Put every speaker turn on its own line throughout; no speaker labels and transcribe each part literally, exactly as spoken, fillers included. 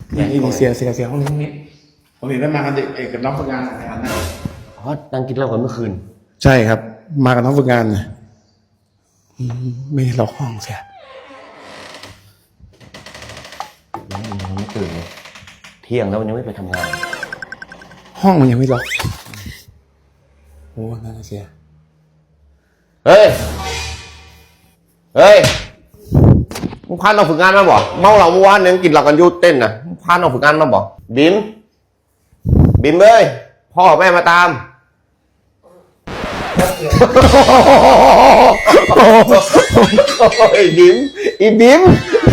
นี่มีเสียเสียเสียห้องนี้ห้องนี้ผมเห็นได้มากันเด็กเอกกับน้องฝึกงานอะไรกันนะ
อ๋อนั่งกินเหล้ากันเมื่อคืน
ใช่ครับมากับน้องฝึกงานนะไม่ได้ล็อกห้องเสีย
ยังไม่ตื่นเลยเที่ยงแล้วมันยังไม่ไปทำงาน
ห้องมันยังไม่ล็อกโอ้น่าเสีย
เฮ้ยเฮ้ยมึงพาน้องฝึกงานมาบ่เมาเหล้าเมื่อวานเนี่ยกินเหล้ากันยูเต้นนะพาน้องฝึกงานมาบ่บิมบิมเอ้ยพ่อแม่มาตามไอ้บิมอีบิม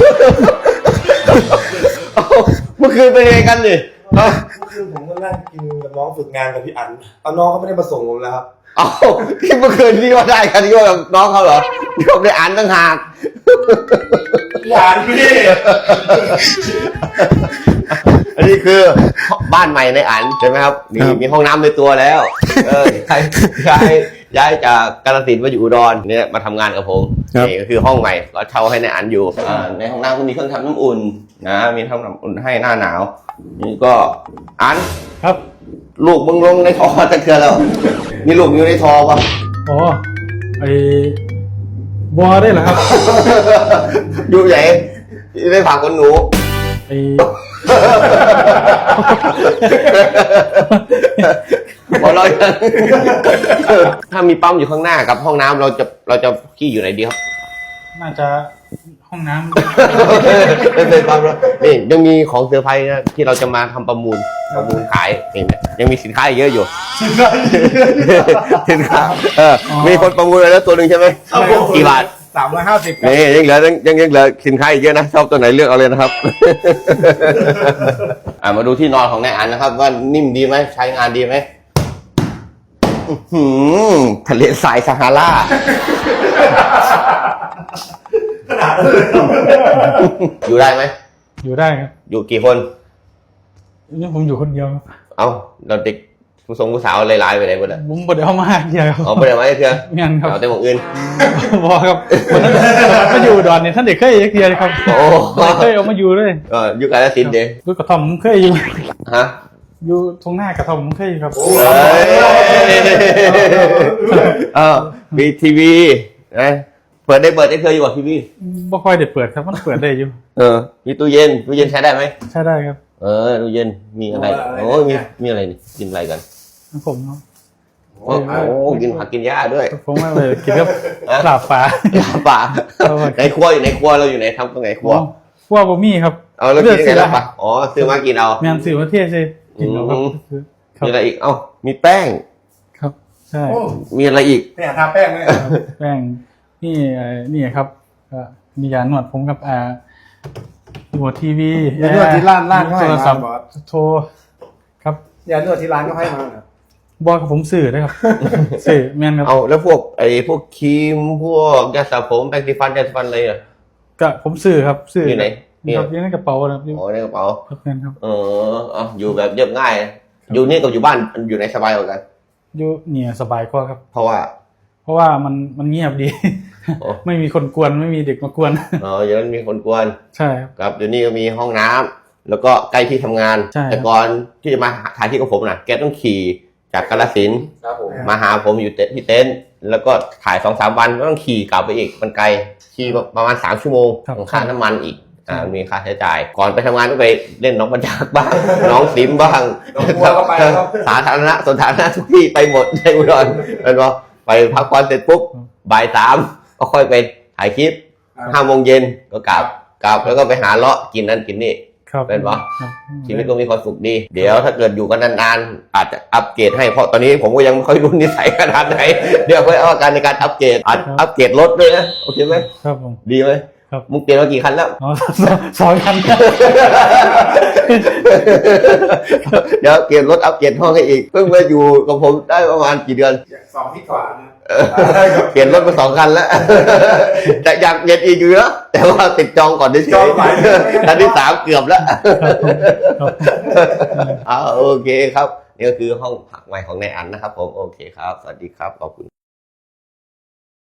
เมื่อคืนเป็นไงกันดิ
เมื่อคืนผมก็นั่งกินกับน้องฝึกงานกับพี่อั๋นเอาน้องเขาไม่ได้มาส่งผมแล้วครับ
เอ้าที่เมื่อคืนที่ว่าได้กันที่ว่ากับน้องเขาเหรอที่ผมได้อ่านตั้งหาก
หวานพี่
อันนี้คือบ้านใหม่ในอันใช่ไหมครับมีมีห้องน้ำในตัวแล้วเออย้ายย้ายจากกาฬสินธุ์มาอยู่อุดรเนี่ยมาทำงานกับผมนี่ก็คือห้องใหม่เราเช่าให้ในอันอยู่ในห้องน้ำก็มีเครื่องทำน้ำอุ่นนะมีทำน้ำอุ่นให้หน้าหนาวนี่ก็อัน
ครับ
ลูกมึงลงในท่อตะเกียบแล้วมีลูกอยู่ในท่อป่ะ
อ๋อไอ้บัวได้เหรอครับ
อยู่ไหนได้ผ่าคนหนู
ไอ้
พอเราถ้ามีปั๊มอยู่ข้างหน้ากับห้องน้ำเราจะเราจะขี้อยู่ไหนดีครับ
น่าจะห้องน้ำ
ไม่เป็นปั๊มแล้วนี่ยังมีของเซอร์ไพรส์นะที่เราจะมาทำประมูลประมูลขายเองยังมีสินค้าเยอะอยู่สินค้าเออมีคนประมูลแล้วตัวหนึ่งใช่ไหมกี่บาท
สามร้อยห้าสิบ
นี่ยังเหลือยังยังเหลือสินค้าอีกเยอะนะชอบตัวไหนเลือกเอาเลยนะครับอ่ามาดูที่นอนของนายอันนะครับว่านิ่มดีไหมใช้งานดีไหมทะเลทรายซาฮาราอยู่ได้ไหม
อยู่ได้ครับ
อยู่กี่คน
นี่ผมอยู่คนเดียว
เอ้าเราเด็กผู้ทรงผู้สาวหลายๆไปไหนหมดอ่ะ
ผมบ่ได้เอามาเดียว
อ๋อบ่ได้มาเถื่อ
งั้นครับ
เอาแต่หมวกอื่น
บอกครับมาอยู่ดอนเนี่ยท่านเด็กเคยเดียวครับโอ้เคยเอามาอยู่เลย
เอออยู่กาฬสินธุ์เด้
อยู่กระท่อมเคยอยู่
ฮะ
อยู่ตรงหน้ากระท่อมเคยครับ
เออมีทีวีนะเปิดได้เปิดได้เคยอยู่กับทีวี
บ่ค่อยได้เปิดครับมันเปิดได้อยู่
เออมีตู้เย็นตู้เย็นใช้ได้ไหม
ใช้ได้ครับ
เออตู้เย็นมีอะไรโอ้มีมีอะไรนี่กินอะไรกัน
ผมเนาะ
โอ้โหกินผักกินหญ้าด้วย
ผมว่าเลยกินกับลาบปลา
ลาบปลาในครัวอยู่ในครัวเราอยู่ในทำตรงไหนครัว
ครัวบะหมี่ครับ
เอาแล้วกินยังไงล่ะปะอ๋อซื้อมากินเอา
แม่นซื้อมาเทศเลยกินเอาครับ
มีอะไรอีกเอ้ามีแป้ง
ครับใช่
มีอะไรอีก
เนี่ยทาแป้งไหม
แป้งนี่นี่ครับมียาหนวดผมกับอ่าหัวทีวี
ยาหนวดที่ร้านร้านก็ให้มา
โทรครับ
ยาหนวดที่ร้านก็ให้มา
บอลกับผมสื่อได้ครับสื่อแมนครับ
เอาแล้วพวกไอ้พวกครีมพวกยาสระผมแปรงสีฟันยาสีฟันอะไรอ่ะ
ก็ผมสื่อครับสื่อ
อยู่ไหน
ครับอยู่ในกระเป๋าครับ
อ๋อในกระเป๋า
ครับแมนครับ
เออเอาอยู่แบบเรียบง่ายอยู่นี่กับอยู่บ้านอยู่ในสบายกว่ากัน
อยู่เนี่ยสบายกว่าครับ
เพราะว่า
เพราะว่ามันมันเงียบดีไม่มีคนกวนไม่มีเด็กมากวน
อ๋ออย่างนั้นมีคนกวน
ใช่
ครับเดี๋ยวนี้ก็มีห้องน้ำแล้วก็ใกล้ที่ทำงานแต่ก่อนที่จะมาถ่ายที่กับผมนะแกต้องขี่จากกาฬสินธุ์มาหาผมอยู่ที่เต็นท์แล้วก็ถ่ายสองสามวันก็ต้องขี่กลับไปอีกมันไกลขี่ประมาณสามชั่วโมงค่าน้ำมันอีกอ่ามีค่าใช้จ่ายก่อนไปทำงานก็ไปเล่นน้องบรรจักบ้างน้องสิมบ้างสาธารณะสถานะทุกที่ไปหมดในอุดรเป็นว่าไปพักผ่อนเสร็จปุ๊บบ่ายสามก็ค่อยไปถ่ายคลิปห้าโมงเย็นก็กลับกลับแล้วก็ไปหาเลาะกินนั่นกินนี่เป็นปะชีวิตก็มีความสุขดีเดี๋ยวถ้าเกิดอยู่กันนานๆอาจจะอัปเกรดให้เพราะตอนนี้ผมก็ยังไม่ค่อยรู้นิสัยขนาดไหนเดี๋ยวค่อยเอาการในการอัปเกรดอัปเกรดรถด้วยนะโอเคไหม
ครับผม
ดีไหม
ครับ
มึงเปลี่ยนมากี่คันแล้ว
สองคัน
เดี๋ยวเปลี่ยนรถอัปเกรดห้องให้อีกเพิ่งมาอยู่กับผมได้ประมาณกี่เดือน
สองที่กว่านะ
เปลี่ยนรถมาสองคันแล้วแต่อยากเปลี่ยนอีกอยู่นะแต่ว่าติดจองก่อนได้เฉยคันที่สามเกือบแล้วอ่าโอเคครับนี่ก็คือห้องพักใหม่ของนายอันนะครับผมโอเคครับสวัสดีครับขอบคุณ